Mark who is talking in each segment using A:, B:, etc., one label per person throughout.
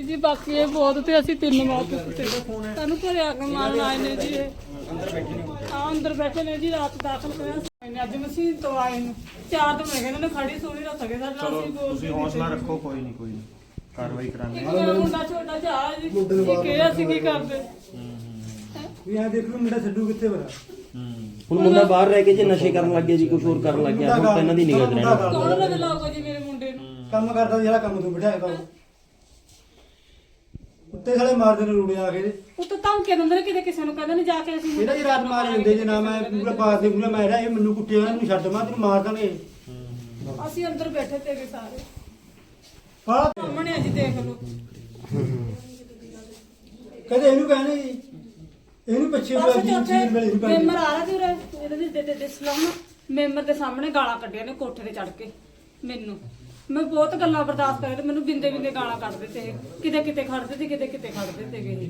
A: जी बाकी ये बहुत थे असि 3 मौत सानू घरे आके मारन आए ने जी अंदर बैठे ने जी रात दाखिल कराया अज मसीह तो आए ने 4 दिन हो गए इन्होंने खड़ी सुनी ना सके सर
B: चलो ਤੁਸੀਂ ਹੌਸਲਾ ਰੱਖੋ ਕੋਈ ਨਹੀਂ ਕਾਰਵਾਈ ਕਰਾਂਗੇ
A: मुंडा छोटा जा जी कि असि की करदे
C: ਵੀ ਆ ਦੇਖ ਲਓ ਮੁੰਡਾ ਛੱਡੂ ਕਿੱਥੇ ਵਰਾ
D: ਹੁਣ ਮੁੰਡਾ ਬਾਹਰ ਰਹਿ ਕੇ ਜੇ ਨਸ਼ੇ ਕਰਨ ਲੱਗ ਗਿਆ ਜੀ ਕੁਝ ਹੋਰ ਕਰਨ ਲੱਗ ਗਿਆ ਹੁਣ ਤਾਂ ਇਹਨਾਂ ਦੀ ਨਿਗਾਹ 'ਚ ਰਹਿਣਾ
A: ਕੌਣ ਲੱਗ ਲਾਊਗਾ ਜੀ ਮੇਰੇ ਮੁੰਡੇ ਨੂੰ
C: ਕੰਮ ਕਰਦਾ ਜਿਹੜਾ ਕੰਮ ਤੋਂ ਬਿਠਾਇਆ ਕੰਮ ਉੱਤੇ ਸਾਲੇ ਮਾਰਦੇ ਨੇ ਰੂੜੇ ਆ ਕੇ
A: ਉਹ ਤਾਂ ਧਮਕੇ ਦਿੰਦੇ ਨੇ ਕਿਤੇ ਕਿਸੇ ਨੂੰ ਕਹਿੰਦੇ ਨੇ ਜਾ ਕੇ ਅਸੀਂ
C: ਇਹਦਾ ਜੀ ਰਾਤ ਮਾਰੇ ਹੁੰਦੇ ਜੇ ਨਾ ਮੈਂ ਪੂਰਾ ਪਾਸ ਦੇ ਪੂਰਾ ਮੈਂ ਰਿਹਾ ਇਹ ਮੈਨੂੰ ਕੁੱਟਿਆ ਮੈਨੂੰ ਛੱਡ ਮੈਂ ਤੈਨੂੰ ਮਾਰ ਦਾਂਗੇ
A: ਅਸੀਂ ਅੰਦਰ ਬੈਠੇ ਤੇਗੇ ਸਾਰੇ
C: ਹਾਂ
A: ਸਾਹਮਣੇ ਆ ਜੀ ਦੇਖ ਲਓ
C: ਕਦੇ ਇਹਨੂੰ ਕਹਿੰਦੇ ਜੀ ਇਹਨੂੰ ਪਿੱਛੇ
A: ਬਸ
C: ਜੀ
A: ਚੌਥੇ
C: ਚੀਜ਼ ਮਿਲੇ ਇਹਨੂੰ
A: ਮੈਂਬਰ ਆ ਰਿਹਾ ਸੀ ਉਰੇ ਇਹਦੇ ਦੇ ਸਲਾਮ ਮੈਂਬਰ ਦੇ ਸਾਹਮਣੇ ਗਾਲਾਂ ਕੱਢੀਆਂ ਨੇ ਕੋਠੇ ਤੇ ਚੜ ਕੇ ਮੈਨੂੰ ਮੈਂ ਬਹੁਤ ਗੱਲਾਂ ਬਰਦਾਸ਼ਤ ਕਰੇ ਤੇ ਮੈਨੂੰ ਬਿੰਦੇ ਬਿੰਦੇ ਗਾਲਾਂ ਕੱਢਦੇ ਤੇ ਕਿਤੇ ਕਿਤੇ ਖੜਦੇ ਤੇ ਕਿਤੇ ਕਿਤੇ ਖੜਦੇ ਤੇਗੇ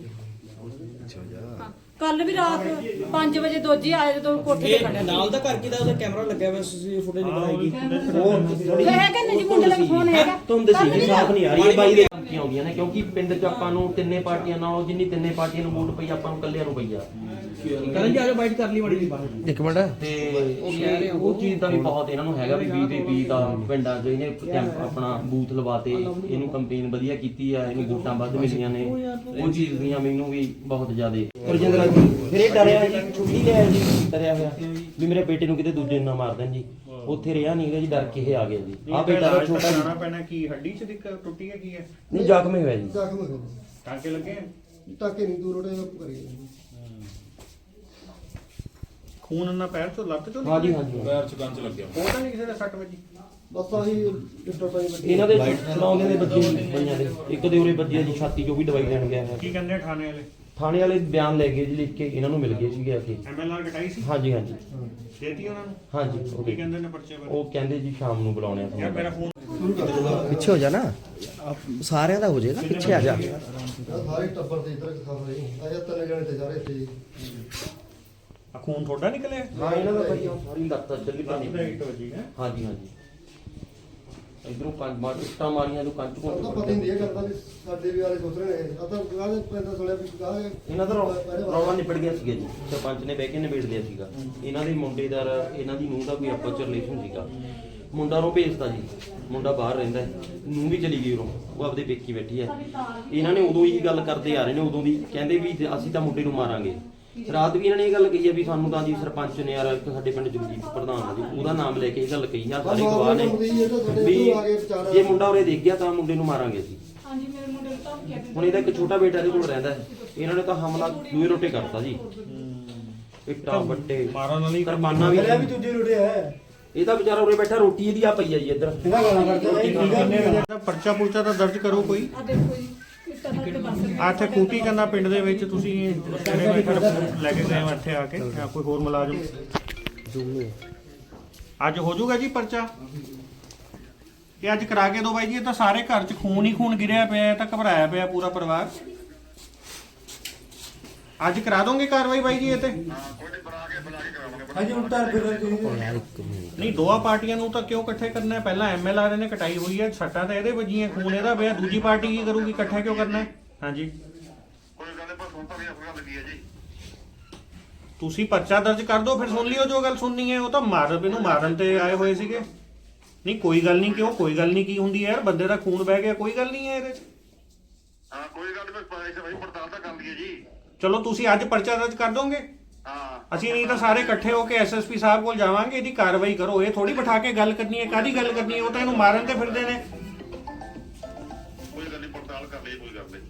A: ਕੱਲ ਵੀ ਰਾਤ 5 ਵਜੇ ਦੋਜੀ ਆਏ ਜਦੋਂ ਕੋਠੇ ਤੇ ਖੜਿਆ
E: ਨਾਲ ਦਾ ਘਰ ਕਿਦਾ ਉਹਦਾ ਕੈਮਰਾ ਲੱਗਿਆ ਹੋਇਆ ਸੀ ਫੁਟੇਜ ਬਣਾਏਗੀ
A: ਹੈ ਕਿ ਜੀ ਮੁੰਡੇ ਦਾ ਫੋਨ ਹੈਗਾ
D: ਤੁਹਾਨੂੰ ਦੱਸੀ ਜੀ ਸਾਫ ਨਹੀਂ ਆ ਰਹੀ ਬਾਈ ਦੇ ਕੀ ਆਉਂਦੀਆਂ ਨੇ ਕਿਉਂਕਿ ਪਿੰਡ 'ਚ ਆਪਾਂ ਨੂੰ ਤਿੰਨੇ ਪਾਰਟੀਆਂ ਨਾਲ ਜਿੰਨੀ ਤਿੰਨੇ ਪਾਰਟੀਆਂ ਨੂੰ ਵੋਟ ਪਈ ਆਪਾਂ ਨੂੰ ਇਕੱਲਿਆਂ ਨੂੰ ਪਈ ਆ
E: ਕਰਨ ਜੀ ਆਜੋ ਬਾਈਟ ਕਰ ਲਈ ਮੜੀ ਜੀ ਬਾਹਰ
D: ਇੱਕ ਮਿੰਟ ਤੇ ਉਹ ਚੀਜ਼ ਦਾ ਵੀ ਬਹੁਤ ਇਹਨਾਂ ਨੂੰ ਹੈਗਾ ਵੀ ਬੀਜੇਪੀ ਦਾ ਪਿੰਡਾਂ 'ਚ ਇਹਨੇ ਆਪਣਾ ਬੂਥ ਲਵਾਤੇ ਇਹਨੂੰ ਕੰਪੇਨ ਵਧੀਆ ਕੀਤੀ ਆ ਇਹਨੂੰ ਵੋਟਾਂ ਵੱਧ ਮਿਲੀਆਂ ਨੇ ਉਹ ਚੀਜ਼ ਦੀਆਂ ਮੈਨੂੰ ਵੀ ਬਹੁਤ ਜ਼ਿਆਦੇ ਫਿਰ ਇਹ ਡਰਿਆ ਜੀ ਛੁੱਟੀ ਲਿਆ ਜੀ ਡਰਿਆ ਹੋਇਆ ਵੀ ਮੇਰੇ ਬੇਟੇ ਨੂੰ ਕਿਤੇ ਦੂਜੇ ਨਾ ਮਾਰ ਦੇਣ ਜੀ ਉੱਥੇ ਰਿਹਾ ਨਹੀਂ ਹੈਗਾ ਜੀ ਡਰ ਕੇ ਇਹ ਆ ਗਿਆ ਜੀ ਆ ਬੇਟਾ ਦਾ ਛੋਟਾ
B: ਜਾਣਾ ਪੈਣਾ ਕੀ ਹੱਡੀ 'ਚ ਦਿੱਕਤ ਟੁੱਟੀ ਹੈ ਕੀ ਹੈ
D: ਨਹੀਂ ਜ਼ਖਮੀ ਹੋਇਆ ਜੀ
F: ਜ਼ਖਮ ਹੋ
B: ਟਾਂਕੇ ਲੱਗੇ
F: ਗਏ ਟਾਕੇ ਨਹੀਂ ਦੂਰ ਉਹਦੇ ਕਰੀ
B: ਖੂਨ ਨਾ ਪੈਰ ਤੋਂ ਲੱਤ ਤੋਂ
D: ਹਾਂਜੀ ਹਾਂਜੀ
B: ਪੈਰ 'ਚ ਗੰਜ ਲੱਗਿਆ ਉਹ ਤਾਂ ਨਹੀਂ ਕਿਸੇ ਦਾ ਸੱਟ ਵੱਜੀ
F: ਬਸ ਆਹੀ ਲਿਟਰ ਪਾਈ ਬੱਚੇ
D: ਇਹਨਾਂ ਦੇ ਚਲਾਉਂਦੇ ਦੇ ਬੱਚੇ ਪਈਆਂ ਦੇ ਇੱਕ ਦੇ ਉਰੇ ਬੱਜੇ ਜੀ ਛਾਤੀ 'ਚੋਂ ਵੀ ਦਵਾਈ ਲੈਣ ਗਿਆ ਹੈ
B: ਕੀ ਕਹਿੰਦੇ ਥਾਣੇ ਵਾਲੇ
D: ਥਾਣੇ ਵਾਲੇ ਬਿਆਨ ਲੈ ਗਏ ਜੀ ਲਿਖ ਕੇ ਇਹਨਾਂ ਨੂੰ ਮਿਲ ਗਏ ਸੀਗੇ ਆ ਕੇ
B: ਐਮਐਲਆਰ ਕਟਾਈ ਸੀ
D: ਹਾਂਜੀ ਹਾਂਜੀ
B: ਦੇਤੀ ਉਹਨਾਂ ਨੂੰ
D: ਹਾਂਜੀ ਉਹ
B: ਕੀ ਕਹਿੰਦੇ ਨੇ ਪਰਚੇ ਬਾਰੇ
D: ਉਹ ਕਹਿੰਦੇ ਜੀ ਸ਼ਾਮ ਨੂੰ ਬੁਲਾਉਣੇ ਆ
B: ਯਾਰ ਮੇਰਾ
D: ਤੁਹਾਨੂੰ
B: ਫੋਨ
G: ਪਿੱਛੇ ਹੋ ਜਾ ਨਾ ਸਾਰਿਆਂ ਦਾ ਹੋ ਜਾਏਗਾ ਪਿੱਛੇ ਆ ਜਾ
F: ਸਾਰੇ ਟੱਬਰ ਦੇ ਇਧਰ ਖਬਰ ਹੈ ਅਜਾ ਤਨੇ ਜਣੇ ਤੇ ਸਾਰੇ ਇੱਥੇ
B: ਆ ਖੂਨ ਤੁਹਾਡਾ ਨਿਕਲਿਆ
D: ਹਾਂ ਇਹਨਾਂ ਦਾ ਭਾਈ ਸਾਰੀ ਲੱਤ ਚੱਲੀ
B: ਲੱਤ ਦਾ
D: ਪਈ
B: ਹਿੱਟ ਵੱਜੀ ਹੈ
D: ਹਾਂਜੀ ਹਾਂਜੀ ਇਧਰੋਂ ਕੰਨ ਮਾਰ ਇੱਟਾਂ ਮਾਰੀਆਂ ਜੋ ਕੰਚ
F: ਉਹ ਤਾਂ ਪਤਾ ਹੀ ਨਹੀਂ ਇਹ ਕਰਦਾ ਵੀ ਸਾਡੇ ਵੀ ਵਾਲੇ ਸੋਚ ਰਹੇ ਨੇ ਆ ਤਾਂ ਗਾਹ ਪੈਂਦਾ ਸੁਣਿਆ ਵੀ ਗਾਹ
D: ਇਹਨਾਂ ਦਾ ਰੌਲਾ ਨਿਬੜ ਗਿਆ ਸੀਗਾ ਜੀ ਸਰਪੰਚ ਨੇ ਬਹਿ ਕੇ ਨਿਬੇੜ ਲਿਆ ਸੀਗਾ ਇਹਨਾਂ ਦੇ ਮੁੰਡੇ ਦਾ ਇਹਨਾਂ ਦੀ ਨੂੰਹ ਦਾ ਕੋਈ ਆਪਸ ਚ ਰਿਲੇਸ਼ਨ ਸੀਗਾ ਮੁੰਡਾ ਨੂੰ ਭੇਜਤਾ ਜੀ ਮੁੰਡਾ ਬਾਹਰ ਰਹਿੰਦਾ ਹੈ ਨੂੰਹ ਵੀ ਚਲੀ ਗਈ ਉਰੋਂ ਉਹ ਆਪਦੇ ਪੇਕੀ ਬੈਠੀ ਹੈ ਇਹਨਾਂ ਨੇ ਉਦੋਂ ਹੀ ਗੱਲ ਕਰਦੇ ਆ ਰਹੇ ਨੇ ਉਦੋਂ ਦੀ ਕਹਿੰਦੇ ਵੀ ਅਸੀਂ ਤਾਂ ਮੁੰਡੇ ਨੂੰ ਮਾਰਾਂਗੇ ਰਾਤ ਵੀ ਇਹਨਾਂ ਨੇ ਇਹ ਗੱਲ ਕਹੀ ਹੈ ਵੀ ਸਾਨੂੰ ਤਾਂ ਜੀ ਸਰਪੰਚ ਨੇ ਯਾਰ ਇੱਕ ਸਾਡੇ ਪਿੰਡ ਜਗਜੀਤ ਪ੍ਰਧਾਨ ਆ ਜੀ ਉਹਦਾ ਨਾਮ ਲੈ ਕੇ ਇਹ ਗੱਲ ਕਹੀ ਆ ਸਾਰੇ ਗਵਾਹ ਨੇ ਵੀ ਜੇ ਮੁੰਡਾ ਉਰੇ ਦੇਖ ਗਿਆ ਤਾਂ ਮੁੰਡੇ ਨੂੰ ਮਾਰਾਂਗੇ ਅਸੀਂ
A: ਹਾਂਜੀ ਮੇਰੇ ਮੁੰਡੇ ਨੂੰ ਧਮਕੀਆਂ ਦਿੰਦੇ
D: ਹੁਣ ਇਹਦਾ ਇੱਕ ਛੋਟਾ ਬੇਟਾ ਇਹਦੇ ਕੋਲ ਰਹਿੰਦਾ ਹੈ ਇਹਨਾਂ ਨੇ ਤਾਂ ਹਮਲਾ ਦੂਏ ਰੋਟੇ ਕਰਤਾ ਜੀ ਇੱਟਾਂ ਵੱਟੇ
B: ਮਾਰਨ ਵਾਲੀ
D: ਕਰਮਾਨਾ ਵੀ
C: ਵੀ ਦੂਜੇ ਰੋੜੇ ਹੈ
D: ਇਹ ਤਾਂ ਵਿਚਾਰਾ ਉਰੇ ਬੈਠਾ ਰੋਟੀ ਇਹਦੀ ਆ ਪਈ ਆ ਜੀ ਇੱਧਰ
C: ਇਹਦਾ ਗਾਲਾਂ ਕੱਢਦਾ
B: ਪਰਚਾ ਪੁਰਚਾ ਤਾਂ ਦਰਜ ਕਰੋ ਕੋਈ
A: ਆ ਦੇਖੋ ਜੀ ਇੱਟਾਂ ਨਾਲ ਤੇ ਬਸ
B: ਆ ਇੱਥੇ ਕੂਟੀ ਕੰਨਾ ਪਿੰਡ ਦੇ ਵਿੱਚ ਤੁਸੀਂ ਜਿਹੜੇ ਬੈਠੇ ਲੈ ਕੇ ਗਏ ਹੋ ਇੱਥੇ ਆ ਕੇ ਜਾਂ ਕੋਈ ਹੋਰ ਮੁਲਾਜ਼ਮ ਅੱਜ ਹੋ ਜਾਊਗਾ ਜੀ ਪਰਚਾ ਇਹ ਅੱਜ ਕਰਾ ਕੇ ਦੋ ਬਾਈ ਜੀ ਇਹ ਤਾਂ ਸਾਰੇ ਘਰ 'ਚ ਖੂਨ ਹੀ ਖੂਨ ਗਿਰਿਆ ਪਿਆ ਤਾਂ ਘਬਰਾਇਆ ਪਿਆ ਪੂਰਾ ਪਰਿਵਾਰ ਅੱਜ ਕਰਾ ਦੋਗੇ ਕਾਰਵਾਈ ਬਾਈ ਜੀ ਇਹ ਤੇ
C: ਹਾਂਜੀ ਉਲਟਾ ਫਿਰ
B: ਨਹੀਂ ਦੋਆ ਪਾਰਟੀਆਂ ਨੂੰ ਤਾਂ ਕਿਉਂ ਇਕੱਠੇ ਕਰਨਾ ਹੈ ਪਹਿਲਾਂ ਐਮਐਲਆਰ ਨੇ ਕਟਾਈ ਹੋਈ ਹੈ ਸੱਟਾਂ ਤਾਂ ਇਹਦੇ ਵੱਜੀਆਂ ਖੂਨ ਇਹਦਾ ਪਿਆ ਦੂਜੀ ਪਾਰਟੀ ਕੀ ਕਰੂਗੀ ਇਕੱਠਾ ਕਿਉਂ ਕਰਨਾ ਹੈ ਹਾਂਜੀ
H: ਕੋਈ ਗੱਲ ਨਹੀਂ ਪਰ ਸੁਣ ਤਾਂ ਵੀ ਆਪਣੀ ਗੱਲ ਲੱਗੀ ਹੈ ਜੀ
B: ਤੁਸੀਂ ਪਰਚਾ ਦਰਜ ਕਰ ਦਿਓ ਫਿਰ ਸੁਣ ਲਿਓ ਜੋ ਗੱਲ ਸੁਣਨੀ ਹੈ ਉਹ ਤਾਂ ਇਹਨੂੰ ਮਾਰਨ ਤੇ ਆਏ ਹੋਏ ਸੀਗੇ ਨਹੀਂ ਕੋਈ ਗੱਲ ਨਹੀਂ ਕਿਉਂ ਕੋਈ ਗੱਲ ਨਹੀਂ ਕੀ ਹੁੰਦੀ ਹੈ ਯਾਰ ਬੰਦੇ ਦਾ ਖੂਨ ਬਹਿ ਗਿਆ ਕੋਈ ਗੱਲ ਨਹੀਂ ਹੈ ਇਹਦੇ 'ਚ
H: ਹਾਂ ਕੋਈ ਗੱਲ ਨਹੀਂ ਪਰ ਇਸ ਵਾਰੀ ਪੜਤਾਲ ਤਾਂ ਕਰ ਲਈਏ ਜੀ
B: ਚਲੋ ਤੁਸੀਂ ਅੱਜ ਪਰਚਾ ਦਰਜ ਕਰ ਦੋਗੇ
H: ਹਾਂ
B: ਅਸੀਂ ਨਹੀਂ ਤਾਂ ਸਾਰੇ ਇਕੱਠੇ ਹੋ ਕੇ ਐਸਐਸਪੀ ਸਾਹਿਬ ਕੋਲ ਜਾਵਾਂਗੇ ਇਹਦੀ ਕਾਰਵਾਈ ਕਰੋ ਇਹ ਥੋੜੀ ਬਿਠਾ ਕੇ ਗੱਲ ਕਰਨੀ ਹੈ ਕਾਦੀ ਗੱਲ ਕਰਨੀ ਹੈ ਉਹ ਤਾਂ ਇਹਨੂੰ ਮਾਰਨ ਤੇ ਫਿਰਦੇ ਨੇ
H: ਕੋਈ ਗੱਲ ਨਹੀਂ ਪੜਤਾਲ ਕਰ ਲਈਏ ਕੋਈ ਗੱਲ ਨਹੀਂ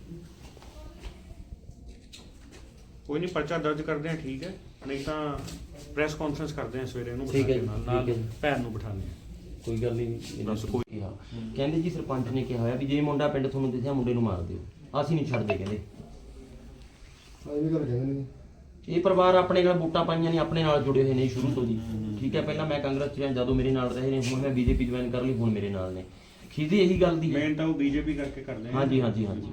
B: ਕੋਈ ਨਹੀਂ ਪਰਚਾ ਦਰਜ ਕਰਦੇ ਆ ਠੀਕ ਹੈ ਨਹੀਂ ਤਾਂ ਪ੍ਰੈਸ ਕਾਨਫਰੰਸ ਕਰਦੇ ਆ ਸਵੇਰੇ ਇਹਨੂੰ
D: ਠੀਕ ਹੈ
B: ਬਿਠਾ ਕੇ
D: ਜੀ,
B: ਨਾਲ
D: ਠੀਕ ਹੈ ਜੀ।
B: ਭੈਣ ਨੂੰ ਬਿਠਾਉਂਦੇ ਆ
D: ਕੋਈ ਗੱਲ ਨਹੀਂ ਇਹਨਾਂ
B: ਬਸ
D: ਕੋਈ ਕਿਹਾ ਕਹਿੰਦੇ ਜੀ ਸਰਪੰਚ ਨੇ ਕਿਹਾ ਹੋਇਆ ਵੀ ਜੇ ਮੁੰਡਾ ਪਿੰਡ ਤੁਹਾਨੂੰ ਦਿਸਿਆ ਮੁੰਡੇ ਨੂੰ ਮਾਰ ਦਿਓ ਅਸੀਂ ਨਹੀਂ ਛੱਡਦੇ ਕਹਿੰਦੇ
F: ਆਈ ਵੀ ਗੱਲ ਕਹਿੰਦੇ ਨੇ
D: ਇਹ ਪਰਿਵਾਰ ਆਪਣੇ ਨਾਲ ਵੋਟਾਂ ਪਾਈਆਂ ਨੇ ਆਪਣੇ ਨਾਲ ਜੁੜੇ ਹੋਏ ਨੇ ਸ਼ੁਰੂ ਤੋਂ ਜੀ ਠੀਕ ਹੈ ਪਹਿਲਾਂ ਮੈਂ ਕਾਂਗਰਸ ਚ ਰਿਹਾ ਜਦੋਂ ਮੇਰੇ ਨਾਲ ਰਹੇ ਨੇ ਹੁਣ ਮੈਂ ਬੀਜੇਪੀ ਜੁਆਇਨ ਕਰ ਲਈ ਹੁਣ ਮੇਰੇ ਨਾਲ ਨੇ ਖੀਦੀ ਇਹੀ ਗੱਲ ਦੀ
B: ਮੇਨ ਤਾਂ ਉਹ ਬੀਜੇਪੀ ਕਰਕੇ ਕਰਦੇ ਆ
D: ਹਾਂਜੀ ਹਾਂਜੀ ਹਾਂਜੀ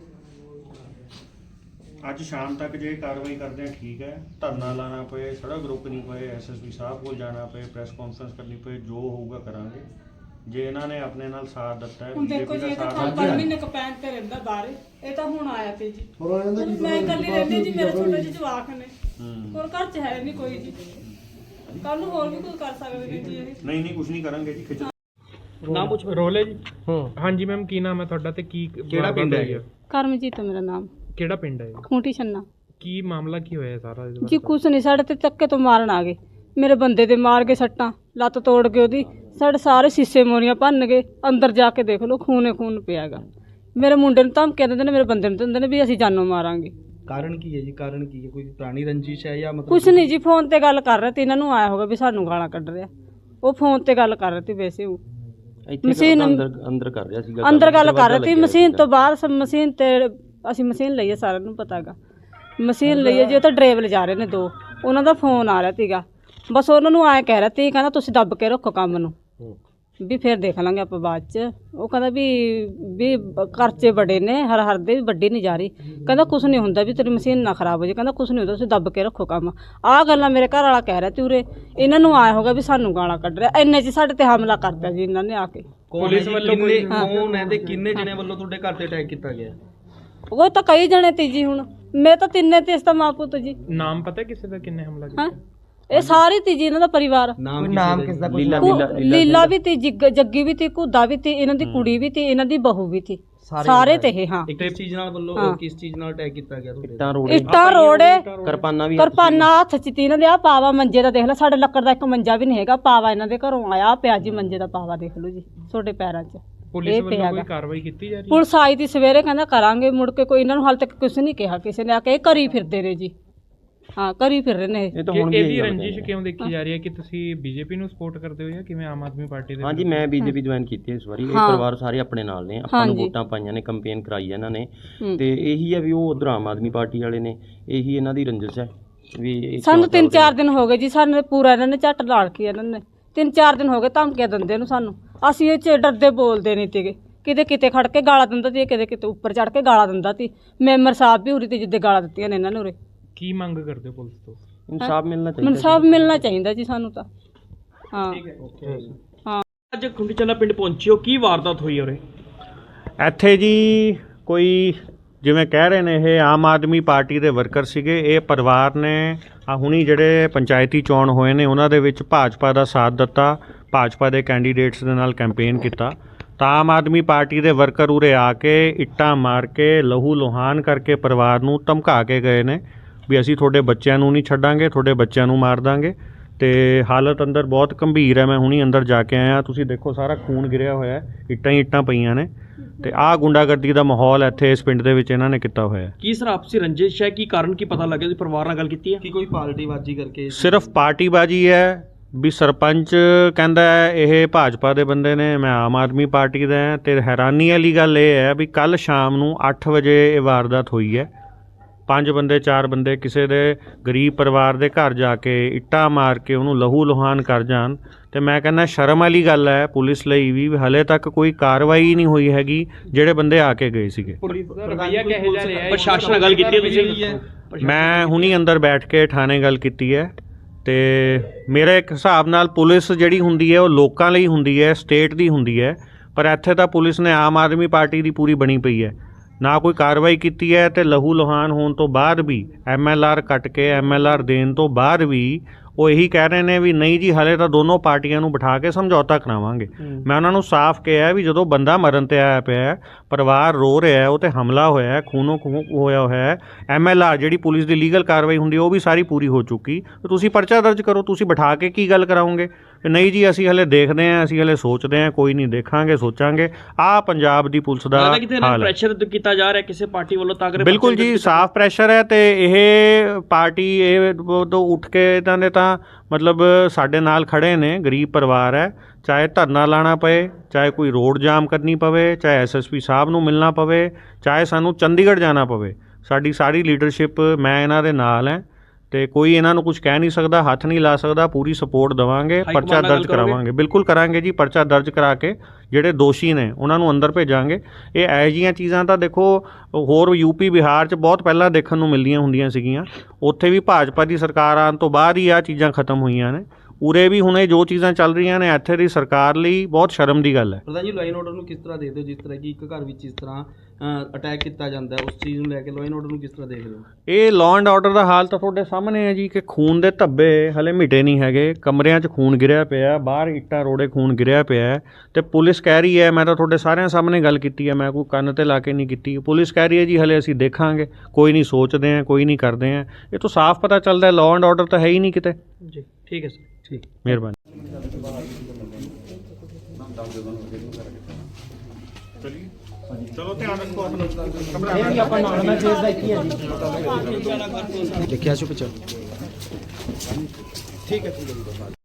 B: ਅੱਜ ਸ਼ਾਮ ਤੱਕ ਜੇ ਕਾਰਵਾਈ ਕਰਦੇ ਆ ਠੀਕ ਹੈ ਧਰਨਾ ਲਾਣਾ ਪਏ ਸੜਕ ਰੋਕਣੀ ਪਏ ਐਸਐਸਪੀ ਸਾਹਿਬ ਕੋਲ ਜਾਣਾ ਪਏ ਪ੍ਰੈਸ ਕਾਨਫਰੰਸ ਕਰਨੀ ਪਏ ਜੋ ਹੋਊਗਾ ਕਰਾਂਗੇ ਜੇ ਇਹਨਾਂ ਨੇ ਆਪਣੇ ਨਾਲ ਸਾਥ ਦਿੱਤਾ ਹੈ
A: ਹੁਣ ਦੇਖੋ ਜੀ, ਇਹ ਤਾਂ
B: ਸਾਥ
A: 5 ਮਹੀਨੇ ਕਪੈਨ ਤੇ ਰਹਿੰਦਾ ਬਾਹਰ, ਇਹ ਤਾਂ ਹੁਣ ਆਇਆ ਤੇ ਜੀ।
F: ਹੋਰ ਇਹਨਾਂ ਦਾ ਕੀ
A: ਮੈਂ ਇਕੱਲੀ ਰਹਿੰਦੀ ਜੀ, ਮੇਰੇ ਛੋਟੇ ਜਿਹੇ ਜਵਾਕ ਨੇ,
B: ਹੂੰ।
A: ਹੋਰ ਘਰ 'ਚ ਹੈ ਨਹੀਂ ਕੋਈ ਜੀ। ਕੱਲ ਨੂੰ ਹੋਰ ਵੀ ਕੋਈ ਕਰ ਸਕਦੇ ਨੇ ਜੀ ਇਹ।
B: ਨਹੀਂ ਕੁਝ ਨਹੀਂ ਕਰਾਂਗੇ ਜੀ, ਖਿੱਚ
E: ਨਾਮ ਪੁੱਛ
I: ਰੋਲ ਹੈ ਜੀ। ਹਾਂਜੀ ਮੈਮ, ਕੀ ਨਾਮ ਹੈ ਤੁਹਾਡਾ ਤੇ ਕੀ
E: ਕਿਹੜਾ ਪਿੰਡ ਹੈ?
A: ਕਰਮਜੀਤ ਮੇਰਾ ਨਾਮ,
I: ਕਿਹੜਾ ਪਿੰਡ ਹੈ?
A: ਖੂੰਟੀ ਛੰਨਾ
I: ਕੀ ਮਾਮਲਾ ਕੀ ਹੋਇਆ ਸਾਰਾ ਇਹਦੇ
A: ਜੀ। ਕੁਛ ਨਹੀਂ, ਸਾਡੇ ਤੇ ਚੱਕੇ ਤੋਂ ਮਾਰਨ ਆ ਗਏ, ਮੇਰੇ ਬੰਦੇ ਦੇ ਮਾਰ ਕੇ ਸੱਟਾਂ, ਲੱਤ ਤੋੜ ਕੇ ਉਹਦੀ, ਸਾਡੇ ਸਾਰੇ ਸ਼ੀਸ਼ੇ ਮੋਰੀਆਂ ਭੰਨ ਗਏ। ਅੰਦਰ ਜਾ ਕੇ ਦੇਖ ਲਓ, ਖੂਨੇ ਖੂਨ ਪਿਆਗਾ। ਮੇਰੇ ਮੁੰਡੇ ਨੂੰ ਧਮਕੀਆਂ ਦਿੰਦੇ ਨੇ, ਮੇਰੇ ਬੰਦੇ ਨੂੰ ਦਿੰਦੇ ਨੇ ਵੀ ਅਸੀਂ ਜਾਨੋਂ ਮਾਰਾਂਗੇ।
E: ਕਾਰਨ ਕੀ ਹੈ ਜੀ? ਕਾਰਨ ਕੀ ਹੈ? ਕੋਈ ਪੁਰਾਣੀ ਰੰਜਿਸ਼ ਹੈ ਜਾਂ ਮਤਲਬ
A: ਕੁਛ ਨਹੀਂ ਜੀ, ਫੋਨ ਤੇ ਗੱਲ ਕਰ ਰਹੇ ਤੇ ਇਹਨਾਂ ਨੂੰ ਆਇਆ ਹੋਗਾ ਵੀ ਸਾਨੂੰ ਗਾਲਾਂ ਕੱਢ ਰਿਹਾ। ਉਹ ਫੋਨ ਤੇ ਗੱਲ ਕਰ ਰਹੇ ਤੇ ਵੈਸੇ ਉਹ ਮਸ਼ੀਨ
D: ਅੰਦਰ ਕਰ ਰਿਹਾ ਸੀਗਾ,
A: ਅੰਦਰ ਗੱਲ ਕਰ ਰਹੇ ਤੇ ਮਸ਼ੀਨ ਤੋਂ ਬਾਹਰ, ਮਸ਼ੀਨ ਤੇ ਅਸੀਂ ਮਸ਼ੀਨ ਲਈਏ, ਸਾਰਿਆਂ ਨੂੰ ਪਤਾ ਹੈਗਾ ਮਸ਼ੀਨ ਲਈਏ ਜੀ। ਉਹ ਤਾਂ ਡਰਾਈਵਰ ਲਿਜਾ ਰਹੇ ਨੇ 2, ਉਹਨਾਂ ਦਾ ਫੋਨ ਆ ਰਿਹਾ ਸੀਗਾ। ਬਸ ਉਹਨਾਂ ਨੂੰ ਆਏ ਕਹਿ ਰਿਹਾ ਤੀ, ਕਹਿੰਦਾ ਤੁਸੀਂ ਦੱਬ ਕੇ ਰੱਖੋ ਕੰਮ ਨੂੰ, ਵੀ ਫਿਰ ਦੇਖ ਲਾਂਗੇ ਆਪਾਂ ਬਾਅਦ ਚ। ਉਹ ਕਹਿੰਦਾ ਵੀ ਖਰਚੇ ਬੜੇ ਨੇ, ਹਰ ਦੇ ਵੀ ਵੱਡੀ ਨਹੀਂ ਜਾ ਰਹੀ। ਕਹਿੰਦਾ ਕੁਛ ਨਹੀਂ ਹੁੰਦਾ, ਵੀ ਤੇਰੀ ਮਸ਼ੀਨ ਨਾ ਖਰਾਬ ਹੋ ਜਾਏ। ਕਹਿੰਦਾ ਕੁਛ ਨਹੀਂ ਹੁੰਦਾ, ਤੁਸੀਂ ਦੱਬ ਕੇ ਰੱਖੋ ਕੰਮ। ਆਹ ਗੱਲਾਂ ਮੇਰੇ ਘਰ ਵਾਲਾ ਕਹਿ ਰਿਹਾ ਤੇ ਉਰੇ ਇਹਨਾਂ ਨੂੰ ਆਇਆ ਹੋਗਾ ਵੀ ਸਾਨੂੰ ਗਾਲਾਂ ਕੱਢ ਰਿਹਾ। ਇੰਨੇ ਚ ਸਾਡੇ ਤੇ ਹਮਲਾ ਕਰਤਾ ਜੀ ਇਹਨਾਂ ਨੇ ਆ ਕੇ।
E: ਪੁਲਿਸ ਵੱਲੋਂ ਕੌਣ ਹੈ ਤੇ ਕਿੰਨੇ ਜਣੇ ਵੱਲੋਂ ਤੁਹਾਡੇ ਘਰ ਤੇ ਅਟੈਕ ਕੀਤਾ ਗਿਆ?
A: ਉਹ ਤਾਂ ਕਈ ਜਣੇ ਤੀ ਜੀ, ਹੁਣ ਮੈਂ ਤਾਂ ਤਿੰਨੇ ਤੇ ਇਸ ਦਾ ਮਾਂ ਪੁੱਤ ਜੀ।
I: ਨਾਮ ਪਤਾ ਕਿਸੇ ਦਾ, ਕਿੰਨੇ ਹਮਲਾ ਕੀਤਾ?
A: ਹਾਂ, ਇਹ ਸਾਰੀ ਤੀ ਜੀ ਇਹਨਾਂ ਦਾ ਪਰਿਵਾਰ।
E: ਨਾਮ ਕਿਸ ਦਾ?
A: ਲੀਲਾ ਵੀ ਤੀ, ਜੱਗੀ ਵੀ ਤੀ, ਘੁੱਦਾ ਵੀ ਤੀ, ਇਹਨਾਂ ਦੀ ਕੁੜੀ ਵੀ ਤੀ, ਇਹਨਾਂ ਦੀ ਬਹੂ ਵੀ ਤੀ, ਸਾਰੇ ਤੇ ਇਹ। ਹਾਂ,
E: ਕਿਸ ਚੀਜ਼ ਨਾਲ ਵੱਲੋਂ ਕਿਸ ਚੀਜ਼ ਨਾਲ ਅਟੈਕ ਕੀਤਾ ਗਿਆ ਤੁਹਾਡੇ?
A: ਇੱਟਾਂ ਰੋੜੇ,
D: ਕਿਰਪਾਨਾਂ
A: ਹੱਥ ਚ ਤੀ ਇਹਨਾਂ ਦੇ। ਆ ਪਾਵਾ ਮੰਜੇ ਦਾ ਦੇਖ ਲੈ, ਸਾਡੇ ਲੱਕੜ ਦਾ ਇੱਕ ਮੰਜਾ ਵੀ ਨਹੀਂ ਹੈਗਾ। ਪਾਵਾ ਇਹਨਾਂ ਦੇ ਘਰੋਂ ਆਇਆ ਪਿਆ ਜੀ, ਮੰਜੇ ਦਾ ਪਾਵਾ ਦੇਖ ਲਓ ਜੀ, ਤੁਹਾਡੇ ਪੈਰਾਂ 'ਚ।
I: ਪੁਲਿਸ ਵੱਲੋਂ ਕੋਈ ਕਾਰਵਾਈ ਕੀਤੀ ਜਾ ਰਹੀ ਹੈ?
A: ਪੁਲਿਸ ਆਈ ਤੀ ਸਵੇਰੇ, ਕਹਿੰਦਾ ਕਰਾਂਗੇ, ਮੁੜ ਕੇ ਕੋਈ ਇਹਨਾਂ ਨੂੰ ਹਾਲ ਤੱਕ ਕੁਝ ਨਹੀਂ ਕਿਹਾ ਕਿਸੇ ਨੇ। ਆ ਕੇ ਇਹ ਕਰੀ ਫਿਰਦੇ ਨੇ ਜੀ। ਹਾਂ, ਕਰੀ ਫਿਰ ਰਹੇ ਨੇ ਇਹ।
I: ਇਹਦੀ ਰੰਜਿਸ਼ ਕਿਉਂ ਦੇਖੀ ਜਾ ਰਹੀ ਹੈ ਕਿ ਤੁਸੀਂ ਬੀਜੇਪੀ ਨੂੰ ਸਪੋਰਟ ਕਰਦੇ ਹੋ ਜਾਂ ਕਿਵੇਂ, ਆਮ ਆਦਮੀ ਪਾਰਟੀ ਦੇ?
D: ਹਾਂਜੀ, ਮੈਂ ਬੀਜੇਪੀ ਜੁਆਇਨ ਕੀਤੀ ਹੈ ਇਸ ਵਾਰੀ। ਇਹ ਪਰਿਵਾਰ ਸਾਰੇ ਆਪਣੇ ਨਾਲ ਨੇ, ਆਪਾਂ ਨੂੰ ਵੋਟਾਂ ਪਾਈਆਂ ਨੇ, ਕੰਪੇਨ ਕਰਾਈ ਹੈ ਇਹਨਾਂ ਨੇ, ਤੇ ਇਹੀ ਹੈ ਵੀ ਉਹ ਉਧਰ ਆਮ ਆਦਮੀ ਪਾਰਟੀ ਵਾਲੇ ਨੇ, ਇਹੀ ਇਹਨਾਂ ਦੀ ਰੰਜਿਸ਼ ਹੈ ਵੀ। ਸਾਨੂੰ
A: 3-4 ਦਿਨ ਹੋ ਗਏ ਜੀ, ਸਾਨੂੰ ਪੂਰਾ ਇਹਨਾਂ ਨੇ ਝੱਟ ਲਾੜ ਕੇ ਇਹਨਾਂ ਨੇ 3-4 ਦਿਨ ਹੋ ਗਏ ਧਮਕੀਆਂ ਦਿੰਦੇ ਨੂੰ ਸਾਨੂੰ। ਅਸੀਂ ਇਹ 'ਚ ਡਰਦੇ ਬੋਲਦੇ ਨਹੀਂ ਤੀਗੇ, ਕਿਤੇ ਖੜ ਕੇ ਗਾਲਾਂ ਦਿੰਦਾ ਸੀ, ਕਿਤੇ ਉੱਪਰ ਚੜ ਕੇ ਗਾਲਾਂ ਦਿੰਦਾ ਸੀ। ਮੈਂਬਰ ਸਾਹਿਬ ਵੀ ਉਰੇ ਤੇ ਜਿੱਦੇ ਗਾਲਾਂ ਦਿੱਤੀਆਂ ਨੇ ਇਹਨਾਂ ਨੂੰ ਉਰੇ।
I: ਕੀ ਮੰਗ ਕਰਦੇ ਹੋ ਪੁਲਿਸ ਤੋਂ?
D: ਇਨਸਾਫ ਮਿਲਣਾ ਚਾਹੀਦਾ।
A: ਇਨਸਾਫ ਮਿਲਣਾ ਚਾਹੀਦਾ ਜੀ ਸਾਨੂੰ ਤਾਂ। ਹਾਂ, ਹਾਂ।
E: ਅੱਜ ਖੁੰਡੀ ਚੱਲਾ ਪਿੰਡ ਪਹੁੰਚੇ ਹੋ, ਕੀ ਵਾਰਦਾਤ ਹੋਈ ਉਰੇ?
B: ਇੱਥੇ ਜੀ ਕੋਈ ਜਿਵੇਂ ਕਹਿ ਰਹੇ ਨੇ ਇਹ ਆਮ ਆਦਮੀ ਪਾਰਟੀ ਦੇ ਵਰਕਰ ਸੀਗੇ। ਇਹ ਪਰਿਵਾਰ ਨੇ ਹੁਣੀ ਜਿਹੜੇ ਪੰਚਾਇਤੀ ਚੋਣ ਹੋਏ ਨੇ ਉਹਨਾਂ ਦੇ ਵਿੱਚ ਭਾਜਪਾ ਦਾ ਸਾਥ ਦਿੱਤਾ, ਭਾਜਪਾ ਦੇ ਕੈਂਡੀਡੇਟਸ ਦੇ ਨਾਲ ਕੈਂਪੇਨ ਕੀਤਾ। ਤਾਂ ਆਮ ਆਦਮੀ ਪਾਰਟੀ ਦੇ ਵਰਕਰ ਉਰੇ ਆ ਕੇ ਇੱਟਾਂ ਮਾਰ ਕੇ, ਲਹੂ ਲੁਹਾਨ ਕਰਕੇ ਪਰਿਵਾਰ ਨੂੰ ਧਮਕਾ ਕੇ ਗਏ ਨੇ ਵੀ ਅਸੀਂ ਤੁਹਾਡੇ ਬੱਚਿਆਂ ਨੂੰ ਨਹੀਂ ਛੱਡਾਂਗੇ, ਤੁਹਾਡੇ ਬੱਚਿਆਂ ਨੂੰ ਮਾਰ ਦਾਂਗੇ। ਤੇ ਹਾਲਤ ਅੰਦਰ ਬਹੁਤ ਗੰਭੀਰ ਹੈ। ਮੈਂ ਹੁਣੀ ਅੰਦਰ ਜਾ ਕੇ ਆਇਆ, ਤੁਸੀਂ ਦੇਖੋ ਸਾਰਾ ਖੂਨ ਗਿਰਿਆ ਹੋਇਆ, ਇੱਟਾਂ ਹੀ ਇੱਟਾਂ ਪਈਆਂ ਨੇ। ਤੇ ਆਹ ਗੁੰਡਾਗਰਦੀ ਦਾ ਮਾਹੌਲ ਇੱਥੇ ਇਸ ਪਿੰਡ ਦੇ ਵਿੱਚ ਇਹਨਾਂ ਨੇ ਕੀਤਾ ਹੋਇਆ।
E: ਕੀ ਸਰ ਆਪਸੀ ਰੰਜਿਸ਼ ਹੈ? ਕੀ ਕਾਰਨ ਕੀ ਪਤਾ ਲੱਗਿਆ? ਤੁਸੀਂ ਪਰਿਵਾਰ ਨਾਲ ਗੱਲ ਕੀਤੀ ਹੈ ਕਿ ਕੋਈ ਪਾਰਟੀਬਾਜ਼ੀ ਕਰਕੇ?
B: ਸਿਰਫ ਪਾਰਟੀਬਾਜ਼ੀ ਹੈ ਵੀ ਸਰਪੰਚ ਕਹਿੰਦਾ ਹੈ ਇਹ ਭਾਜਪਾ ਦੇ ਬੰਦੇ ਨੇ, ਮੈਂ ਆਮ ਆਦਮੀ ਪਾਰਟੀ ਦਾ ਹਾਂ। ਤੇ ਹੈਰਾਨੀ ਵਾਲੀ ਗੱਲ ਇਹ ਹੈ ਵੀ ਕੱਲ ਸ਼ਾਮ ਨੂੰ 8 ਵਜੇ ਇਹ ਵਾਰਦਾਤ ਹੋਈ ਹੈ। 5 ਬੰਦੇ 4 ਬੰਦੇ ਕਿਸੇ ਦੇ ਗਰੀਬ ਪਰਿਵਾਰ ਦੇ ਘਰ ਜਾ ਕੇ ਇੱਟਾਂ ਮਾਰ ਕੇ ਉਹਨੂੰ ਲਹੂ ਲੁਹਾਨ ਕਰ ਜਾਣ। ਤੇ ਮੈਂ ਕਹਿੰਦਾ ਸ਼ਰਮ ਵਾਲੀ ਗੱਲ ਹੈ ਪੁਲਿਸ ਲਈ ਵੀ, ਹਲੇ ਤੱਕ ਕੋਈ ਕਾਰਵਾਈ ਨਹੀਂ ਹੋਈ ਹੈਗੀ ਜਿਹੜੇ ਬੰਦੇ ਆ ਕੇ ਗਏ ਸੀਗੇ।
I: ਰਵੱਈਆ ਕਿਹੋ ਜਿਹਾ ਰਿਹਾ?
E: ਪ੍ਰਸ਼ਾਸਨ ਨਾਲ ਗੱਲ ਕੀਤੀ ਤੁਸੀਂ?
B: ਮੈਂ ਹੁਣੀ ਅੰਦਰ ਬੈਠ ਕੇ ਥਾਣੇ ਗੱਲ ਕੀਤੀ ਹੈ। ਤੇ ਮੇਰੇ ਇੱਕ ਹਿਸਾਬ ਨਾਲ ਪੁਲਿਸ ਜਿਹੜੀ ਹੁੰਦੀ ਹੈ ਉਹ ਲੋਕਾਂ ਲਈ ਹੁੰਦੀ ਹੈ, ਸਟੇਟ ਦੀ ਹੁੰਦੀ ਹੈ। ਪਰ ਇੱਥੇ ਤਾਂ ਪੁਲਿਸ ਨੇ ਆਮ ਆਦਮੀ ਪਾਰਟੀ ਦੀ ਪੂਰੀ ਬਣੀ ਪਈ ਹੈ, ਨਾ ਕੋਈ ਕਾਰਵਾਈ ਕੀਤੀ ਹੈ। ਤੇ ਲਹੂ ਲੁਹਾਨ ਹੋਣ ਤੋਂ ਬਾਅਦ ਵੀ, MLR ਕੱਟ ਕੇ MLR ਦੇਣ ਤੋਂ ਬਾਅਦ ਵੀ ਉਹ ਇਹੀ ਕਹਿ ਰਹੇ ਨੇ ਵੀ ਨਹੀਂ ਜੀ ਹਲੇ ਤਾਂ ਦੋਨੋਂ ਪਾਰਟੀਆਂ ਨੂੰ ਬਿਠਾ ਕੇ ਸਮਝੌਤਾ ਕਰਾਵਾਂਗੇ। ਮੈਂ ਉਹਨਾਂ ਨੂੰ ਸਾਫ਼ ਕਿਹਾ ਵੀ ਜਦੋਂ ਬੰਦਾ ਮਰਨ ਤੇ ਆਇਆ ਪਿਆ, ਪਰਿਵਾਰ ਰੋ ਰਿਹਾ, ਉਹ ਤੇ ਹਮਲਾ ਹੋਇਆ, ਖੂਨੋ ਖੂਨ ਹੋਇਆ ਹੋਇਆ, MLR ਜਿਹੜੀ ਪੁਲਿਸ ਦੀ ਲੀਗਲ ਕਾਰਵਾਈ ਹੁੰਦੀ ਉਹ ਵੀ ਸਾਰੀ ਪੂਰੀ ਹੋ ਚੁੱਕੀ। ਤੁਸੀਂ ਪਰਚਾ ਦਰਜ ਕਰੋ, ਤੁਸੀਂ ਬਿਠਾ ਕੇ ਕੀ ਗੱਲ ਕਰਾਓਗੇ? ਨਹੀਂ ਜੀ ਅਸੀਂ ਹਲੇ ਦੇਖਦੇ ਹਾਂ, ਅਸੀਂ ਹਲੇ ਸੋਚਦੇ ਹਾਂ, ਕੋਈ ਨਹੀਂ, ਦੇਖਾਂਗੇ, ਸੋਚਾਂਗੇ। ਆਹ ਪੰਜਾਬ ਦੀ ਪੁਲਿਸ ਦਾ ਹਾਲ ਹੈ।
E: ਪ੍ਰੈਸ਼ਰ ਕੀਤਾ ਜਾ ਰਿਹਾ ਕਿਸੇ ਪਾਰਟੀ ਵੱਲੋਂ ਤਾਂ?
B: ਬਿਲਕੁਲ ਜੀ, ਸਾਫ਼ ਪ੍ਰੈਸ਼ਰ ਹੈ। ਤੇ ਇਹ ਪਾਰਟੀ ਇਹ ਤੋਂ ਉੱਠ ਕੇ ਇਹਨਾਂ ਨੇ ਤਾਂ ਮਤਲਬ ਸਾਡੇ ਨਾਲ ਖੜੇ ਨੇ, ਗਰੀਬ ਪਰਿਵਾਰ ਹੈ, ਚਾਹੇ ਧਰਨਾ ਲਾਣਾ ਪਏ, ਚਾਹੇ ਕੋਈ ਰੋਡ ਜਾਮ ਕਰਨੀ ਪਵੇ, ਚਾਹੇ SSP ਸਾਹਿਬ ਨੂੰ ਮਿਲਣਾ ਪਵੇ, ਚਾਹੇ ਸਾਨੂੰ ਚੰਡੀਗੜ੍ਹ ਜਾਣਾ ਪਵੇ, ਸਾਡੀ ਸਾਰੀ ਲੀਡਰਸ਼ਿਪ ਮੈਂ ਇਹਨਾਂ ਦੇ ਨਾਲ ਹੈ। ਤੇ ਕੋਈ ਇਹਨਾਂ ਨੂੰ ਕੁਝ ਕਹਿ ਨਹੀਂ ਸਕਦਾ, ਹੱਥ ਨਹੀਂ ਲਾ ਸਕਦਾ। ਪੂਰੀ ਸਪੋਰਟ ਦੇਵਾਂਗੇ, ਪਰਚਾ ਦਰਜ ਕਰਾਵਾਂਗੇ। ਬਿਲਕੁਲ ਕਰਾਂਗੇ ਜੀ, ਪਰਚਾ ਦਰਜ ਕਰਾ ਕੇ ਜਿਹੜੇ ਦੋਸ਼ੀ ਨੇ ਉਹਨਾਂ ਨੂੰ ਅੰਦਰ ਭੇਜਾਂਗੇ। ਇਹ ਇਹੋ ਜਿਹੀਆਂ ਚੀਜ਼ਾਂ ਤਾਂ ਦੇਖੋ ਹੋਰ UP ਬਿਹਾਰ 'ਚ ਬਹੁਤ ਪਹਿਲਾਂ ਦੇਖਣ ਨੂੰ ਮਿਲਦੀਆਂ ਹੁੰਦੀਆਂ ਸੀਗੀਆਂ। ਉੱਥੇ ਵੀ ਭਾਜਪਾ ਦੀ ਸਰਕਾਰ ਆਉਣ ਤੋਂ ਬਾਅਦ ਹੀ ਆਹ ਚੀਜ਼ਾਂ ਖਤਮ ਹੋਈਆਂ ਨੇ। ਉਰੇ ਵੀ ਹੁਣ ਇਹ ਜੋ ਚੀਜ਼ਾਂ ਚੱਲ ਰਹੀਆਂ ਨੇ ਇੱਥੇ ਦੀ ਸਰਕਾਰ ਲਈ ਬਹੁਤ ਸ਼ਰਮ ਦੀ ਗੱਲ ਹੈ।
E: ਪ੍ਰਧਾਨ ਜੀ ਲਾਈਨ ਆਰਡਰ ਨੂੰ ਕਿਸ ਤਰ੍ਹਾਂ ਦੇਖਦੇ ਹੋ, ਜਿਸ ਤਰ੍ਹਾਂ ਕਿ ਇੱਕ ਘਰ ਵਿੱਚ ਇਸ ਤਰ੍ਹਾਂ ਅਟੈਕ ਕੀਤਾ ਜਾਂਦਾ ਹੈ, ਉਸ ਚੀਜ਼ ਨੂੰ ਲੈ ਕੇ ਲਾਈਨ ਆਰਡਰ ਨੂੰ ਕਿਸ ਤਰ੍ਹਾਂ ਦੇਖਦੇ ਹੋ?
B: ਇਹ ਲਾਅ ਐਂਡ ਆਰਡਰ ਦਾ ਹਾਲ ਤਾਂ ਤੁਹਾਡੇ ਸਾਹਮਣੇ ਹੈ ਜੀ, ਕਿ ਖੂਨ ਦੇ ਧੱਬੇ ਹਲੇ ਮਿਟੇ ਨਹੀਂ ਹੈਗੇ, ਕਮਰਿਆਂ 'ਚ ਖੂਨ ਗਿਰਿਆ ਪਿਆ, ਬਾਹਰ ਇੱਟਾਂ ਰੋੜੇ ਖੂਨ ਗਿਰਿਆ ਪਿਆ ਹੈ ਤੇ ਪੁਲਿਸ ਕਹਿ ਰਹੀ ਹੈ, ਮੈਂ ਤਾਂ ਤੁਹਾਡੇ ਸਾਰਿਆਂ ਸਾਹਮਣੇ ਗੱਲ ਕੀਤੀ ਹੈ, ਮੈਂ ਕੋਈ ਕੰਨ ਤੇ ਲਾ ਕੇ ਨਹੀਂ ਕੀਤੀ, ਪੁਲਿਸ ਕਹਿ ਰਹੀ ਹੈ ਜੀ ਹਲੇ ਅਸੀਂ ਦੇਖਾਂਗੇ, ਕੋਈ ਨਹੀਂ ਸੋਚਦੇ ਹਾਂ, ਕੋਈ ਨਹੀਂ ਕਰਦੇ ਹਾਂ। ਇਹ ਤੋਂ ਸਾਫ਼ ਪਤਾ ਚੱਲਦਾ ਲਾਅ ਐਂਡ ਆਰਡਰ ਤਾਂ ਹੈ ਹੀ ਨਹੀਂ ਕਿਤੇ।
E: ਜੀ ਠੀਕ ਹੈ ਸਰ, ਠੀਕ।
B: ਮਿਹਰਬਾਨੀ।
G: ਲਿਖਿਆ ਸੀ ਪਿੱਛੇ।